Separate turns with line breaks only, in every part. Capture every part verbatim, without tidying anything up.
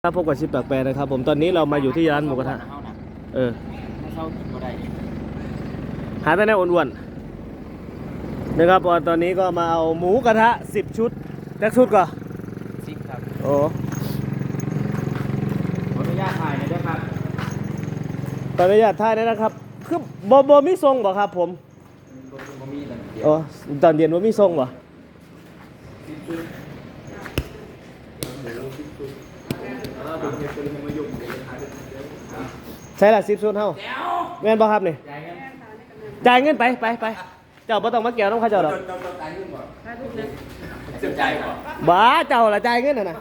พบกับชิปแปลกๆนะครับผมตอนนี้เรามาอยู่ที่ร้านหมูกระทะเออหาแต่แนวอ้วนๆนะครับตอนนี้ก็มาเอาหมูกระทะสิบชุดแท็กชุดก่อน
สิบครับ
โอ้
ขออนุญาตถ่ายหน่อยด้วยครับ
ขออนุญาตถ่ายได้นะครับคือโบโบมีทรงบ่ครับผมโอ้ตอนเย็นว่ามีทรงบ่ใช่ละสิบชุดเท่าแม่นบ่ครับนี่จ่ายเงินไปไปไปเจ้าบ่ต้องมาเกี่ยวต้องข้าเจ้าดอกบ้าเจ้าละจ่ายเงินน่ะนะ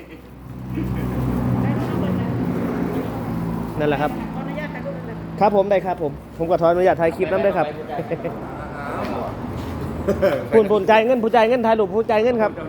นั่นแหละครับครับผมได้ครับผมผมก็ขออนุญาตถ่ายคลิปนั้นได้ครับคุณผู้จ่ายเงินผู้จ่ายเงินถ่ายรูปผู้จ่ายเงินครับ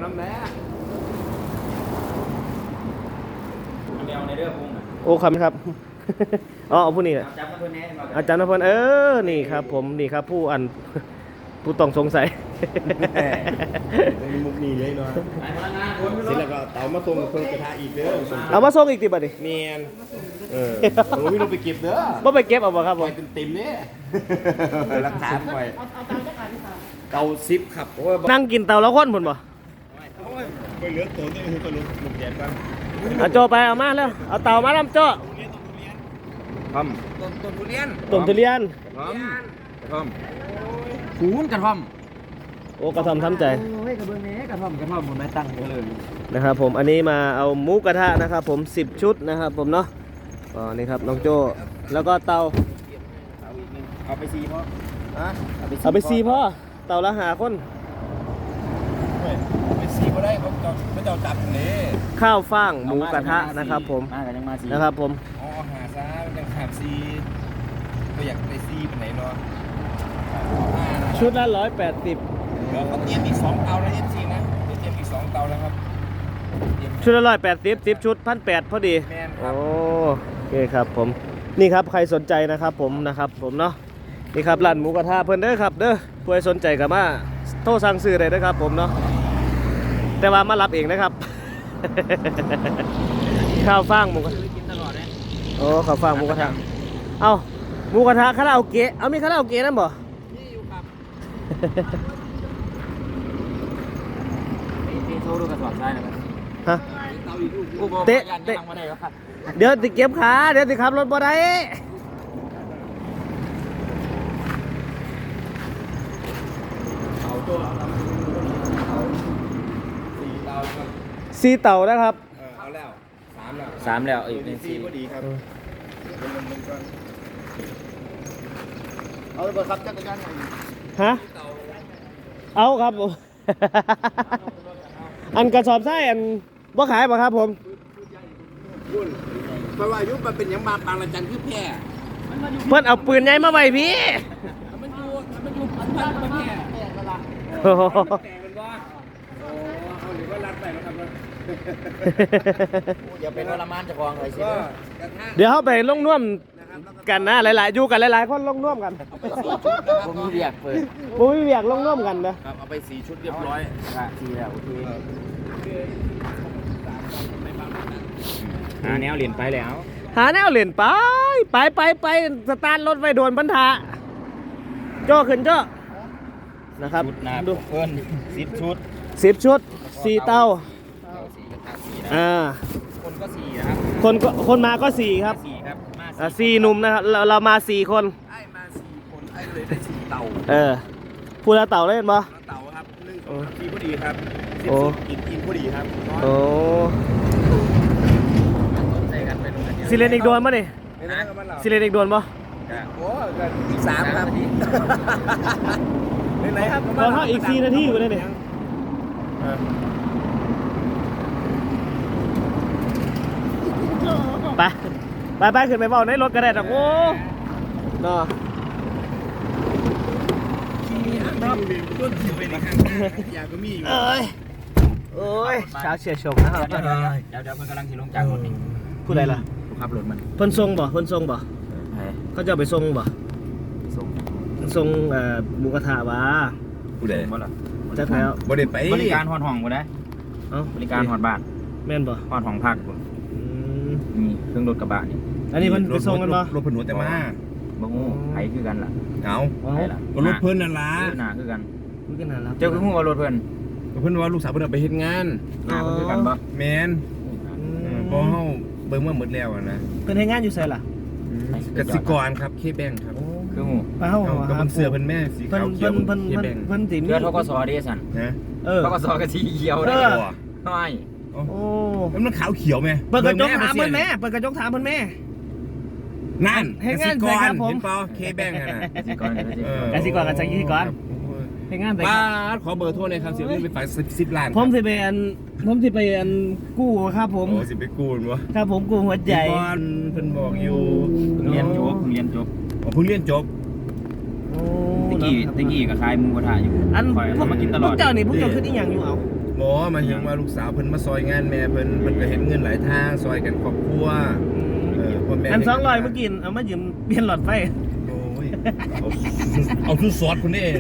โอ้ครับครับอ๋อผู้นี้แหละอาจารย์นพลเออนี่ครับผมนี่ครับผู้อันผู้ต้องสงสัย
มีมุกนี้เลยเนาะเสร็จแล้วก็เตามาส่งเพิ่งกระทะอีกเด้อ
เอามาส่งอีกติบัดดิ
เมียนเออผมไม่ลงไปเก็บเด้อ
บ่ไปเก็บเอาบ่ครับผม
เป็นเต็มเนี่ยรักษาไว้เตาซิปครับ
นั่งกินเตาละคนพุ่นบ่
ไปเหลือตัวนี่คือไปเหลือหมุกแดดบ้าง
เอาโจไปเอามาแล้วเอาเตามาแล้วโจ
ทำต้นต้นทุเรียน
ต้นทุเรียน
ทำท
ำหูนกระท่อม
โอ้กระท่อมทำใจ
โอ้ยกระเบื้องนี้กระท่อมกระท่อมผมไม่ตั้งเลย
นะครับผมอันนี้มาเอาหมูกระทะนะครับผมสิบชุดนะครับผมเนาะอ๋อนี่ครับน้องโจแล้วก็เตา
เอาไปซีพ่อ
เอาไปซีพ่อเตาละหาคน
ไปซีก็ได้เขาจะเขาจะจับเลย
ข้าวฟ่างหมูกระทะนะครับผมนะครับผม
อ๋อหาซะมันยังขาดซีก็อยากได้ซีเป็นไหนเนาะ
ชุดละร้อยแปดสิบ
เดี๋ยวเขาเตรียมอีกสองเตาแล้วเอฟซีนะเตรียมอีกสองเตาแล้วครับ
ชุดละร้อยแปดสิบสิบชุดพันแปดพอดีโอ้โอเคครับผมนี่ครับใครสนใจนะครับผมนะครับผมเนาะนี่ครับร้านหมูกระทะเพิ่นเด้อครับเด้อผู้ใดสนใจก็มาโทรสั่งซื้อได้นะครับผมเนาะแต่ว่ามารับเองนะครับข้าวฟ่างหมูกระทะโอ้ข้าวฟ่างหมูกระทะเอาหมูกระทะคาราโอเกะเอามีคาราโอเกะนั่นบ่
นี่อยู่ครับนี่โทรดูกระสอบทรายนะครับ
ฮะเตะเตะเดี๋ยวติเก็บขาเดี๋ยวติขับรถบ่ได้สี่เต่านะครับ
เอาแล้วสามแล้ว
สามแล้วอีกหนึ่ง
สี่พอดีครับเอาเลยครับจักรยาน
ฮะเอาครับผมอันกระสอบไส้อันบ่ขายป่ะครับผม
เพราะว่ายุคมันเป็นยังมาปางละจันคือแพร่
เพื่อนเอาปืนใหญ่มาไว้พี่
มันอยู่มันอยู่พันพันมาแพร่แพร่ละ
โอ้โห
เอาหรือว่ารัดไปนะครับ
อย่าเป็นวรมานจะคลองเลยสิ
เดี๋ยวเขาไปลงน่วมกันนะหลายๆอยู่กันหลายๆคนลงน่วมกัน
ผมมีเบียกเปิด
ผมมีเบียกลงน่วมกัน
นะครับเอาไปสี่ชุดเรียบร้อย
สี่แล้วโอเคหาแนวเหรียญไปแล้ว
หาแนวเหรียญไปไปไปไปสตาร์ทรถไว้โดนบรรทะโจ้ขึ้นโจ้นะครับ
ดูเพิ่นสิบชุด
สิบชุดสี่เต้าอ่า
คนก็สี่นะครับ
คนก็คนมาก็สี่ครับ
สี่ครับ
มาสี่หนุ่มนะครับเราเรามาสี่คน
ไอ้มาสี่คนไอ้เลยได้สี่เต่า
เออพูดแล้วเต่าเล่นปะ
เต่าครับหนึ่งสองสี่พอดีครับสิบกินกินพอดีครับ
โอ้สิเลนอีกโดนปะนี่สิเลนอีกโดนปะ
โอ้อีกสามครับไหนครับ
เราเท่าอีกสี่นาทีอยู่เลยเนี่ยไปไปไปขึ้นไปเบาในรถกระเด็นอ่ะโอ้เนาะ
ต้นถือไปในข้างยาก็มีอยู่
เอ้ยโอ้ยเช้าเฉียดชงนะครับ
เดี๋ยวเดี๋ยวเดี๋ยวมันกำลังขี่ลงจากรถนี่
พูดอะไรล่ะ
ขับรถมัน
เพิ่นทรงบ่เพิ่นทรงบ่เขาจะไปทรงบ่
ทรง
ทรงเอ่อหมูกระทะวะ
ผู้ใด
จะถ่ายเอา
บริไป
บริการหอดห้องกูนะบริการหอดบ้าน
แม่นบ่
หอดห้องพักกูเครื่องรถกระบะนี่
อันนี้มันไปส่งกันบ่
รถเพิ่นหัวแต่มา
บ่ฮู้ไผคือกันล่ะ
เอา
ไผล่ะ
ก็รถเพิ่นนั่นล่ะ
หน้าคือกัน
คุยกันนานแล้ว
เจ้าคือฮู้ว่ารถเพิ่น
ก็เพิ่นว่าลูกสาวเพิ่นเอาไปเฮ็ดงาน
หน้าเพิ่นคือกันบ่
แม่นเออบ่เฮาเบิ่งมาหมดแล้วอะนะ
เพิ่นให้งานอยู่ไสล่ะ
กสิกรครับเคแบงครับ
คือฮู้
ไปเฮา
เอาก็มันเสื้อเพิ่นแม่สี
เพิ่น
ขาวเขีย
เพิ่
วน
เพิ่น
เค
เพิ่น
แบง
เพิ่นสิมี
เชื่อทกสเด้สั่น
นะ
เออ
ทกสก็สีเขียว
เอ
เด้
อ
น้อย
โอ้
โอ้
แล้วมันขาวเขียวไหม
เปิดกระจก
บิ่ง
ถาม
เสี
เพิ่
ย
นแม่เปิดกระจกถามเพิ่นแม่
นั่น
ให้
ก
งา
สิ
น
ก
ใส่
ร
ครับผม
เห็นเปล่าเคแบงอะนะ
กสิกรก็สิ
เออ
กสิกรกับกสิกร ให้งานไส
ป้าดขอเบอร์โทรหน่อยครับเสียเงินไปฝ่ายสิบล้านครับ
ผมสิไปอันผมสิไปอันกู้ครับผม
โอ้สิไปกู้นวะ
ครับผมกู้หัวใจ
พี่บอลเพิ่นบอกอยู่
เพิ่งเรียนจบเพิ่งเรียนจบ
อ๋อเพิ่งเรียนจบ
โอ้
ตะกี้ตะกี้ก็ขายหมูกระทะอยู่
อัน
คอยเอามากินตล
พ
อ
ว
ด
กเจ้านี่พวกเจ้าคืออีหยังอยู่เอา
หมอมาถึงว่าลูกสาวเพิ่นมาซอยงานแม่เพิ่นเพิ่นก็เห็นเงินหลายทางซอยกันครอบครัวเออพ่อแม่
อันสองร้อยเมื่อกี้เอามายืมเปลี่ยนหลอดไฟ
โอ้ยเอาเอาทุกซอสคนนี้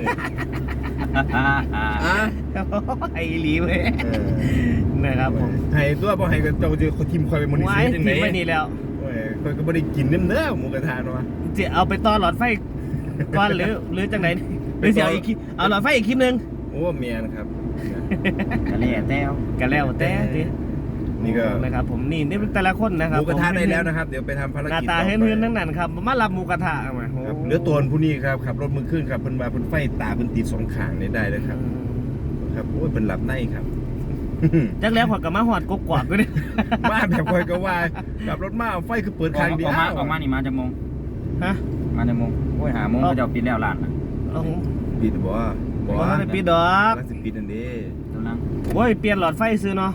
อ่ะ
ไอ้หลีเว้ย
เออ
นะครับผม
ให้ตัวบ่ให้ก็เจ้าจะเขาทิมคอยไปมอนิ
ไว้
เตอร์จังได๋
ทิ้งไว้นี่แล้ว
โอ้ยคอยก็บ่ได้กินเด้อเด้อหมูกระทะเนาะ
จะเอาไปต่อหลอดไฟก่อนหรือหรือจังไหนหรือจะเอาอีกคลิปเอาหลอดไฟอีกคลิปหนึง
โอ้เมียนะครับ
กะเล่แต้ว
กันแล้วแต่ดิ
นี่ก็
นะครับผมนี่นี่แต่ละคนนะ
ห
ครับ
มูกระทะได้แล้วนะครับ เดี๋ยวไปทำภาร
หน้า
กิจ
ตา
ต่อไป
เฮือนๆทั้งนั้นครับมารับหมูกระทะมา
ครับเหลือตัวผู้นี้ครับขับรถมือขึ้นครับเพิ่นว่าเพิ่นไฟตาเพิ่นติดสองข้างนี่ได้แล้วครับ ครับโอ้ยเพิ่นหลับในครับ
จักแล้วขอยกับมาหอดกกวาดก็ได้
มาแบบคอยก็ว่าขับรถมาไฟคือเปิด
ออ
ข้าง
ก
เดียว
ออกมาออกมานี่มาจากโมง
ฮะ
มาจากโมงโอ้ยหาโมงเขาจะปิดแล้วร้านน่ะ
เอา
ปิดบ่บ่
บ่ได้ปิดดอก
น่าสิปิดอันนี้
ตอนนั้น
โอ้ยเปลี่ยนหลอดไฟซื้อเนาะ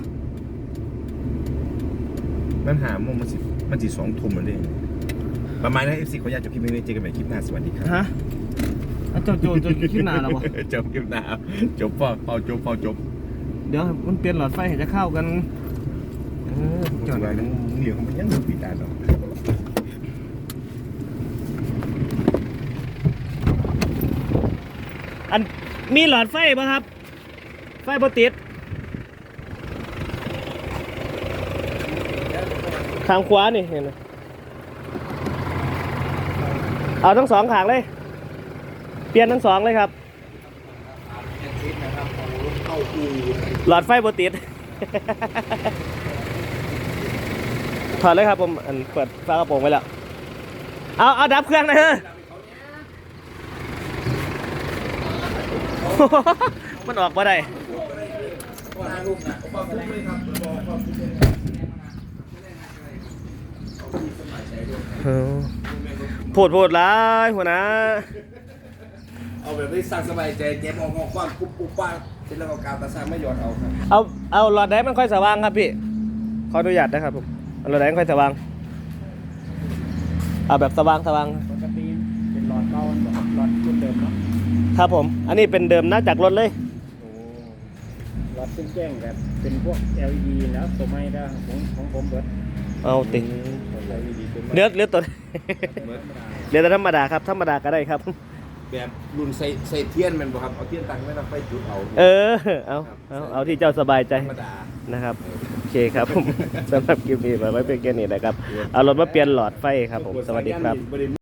มันหาโมงมันสิมันสิสองทุ่มแล้วเด้ประมาณนั้น เอฟ ซี ขออนุญาตจบคลิปนี้เจอกันใหม่คลิปหน้าสวัสดีครับ
ฮะเอาเจ้าโจโจขึ้นหน้าแล้วบ่
จบคลิปหน้าจบเปล่าเป่าจบเป่าจบ
เดี๋ยวมันเปลี่ยนหลอดไฟให้จะเข้ากันเออ
จ
จ
บ
อด
ไปนั่งเหนียวมันยังปิดได้เนาะ
อันมีหลอดไฟป่ะครับ ไฟบ่ติดทางขวานี่เห็นไหมเอาทั้งสองขางเลย เปลี่ยนทั้งสองเลยครับ หลอดไฟบ่ติด ถอดเลยครับผมอันเปิดฝากระโปรงไว้แล้ว เอาเอาดับเครื่องหนะฮะ มันออกมาได้พูดพูดร้ายหัวหน้า
เอาแบบนี้สร้างสบายใจเจ็บออกงอความปุ๊บปุ๊บป้าเสร็จแล้วก็กาวตาสร้างไม่หยอดเอาครับ
เอาเอาหลอดแดงมันค่อยสว่างครับพี่ขออนุญาตนะครับผมเอาหลอดแดงค่อยสว่างเอาแบบสว่างสว่าง
ปกติเป็นหลอดเก่าหลอดรุ่นเดิมเนาะ
ครับผมอันนี้เป็นเดิมนะจากรถเลย
หลอดแจ้งแบบเป็นพวก แอล อี ดี แล้วตัวใหม่ได้ของของผมเบิด
เอาติ
แอล อี ดี ตัวใหม่
เลือดเลือดตัวเลือดธรรมดาครับธรรมดาก็ได้ครับ
แบบรุ่นใส่ใส่เทียนแมันบ่ครับเอาเทียนตั้งไว้แล้วไฟจุดเอา
เออเอาเอาเอาที่เจ้าสบายใจ
ธรรมดา
นะครับโอเคครับผม สำหรับคลิปนี้ไว้เป็นแค่นี้นะครับเอารถมาเปลี่ยนหลอดไฟครับผมสวัสดีครับ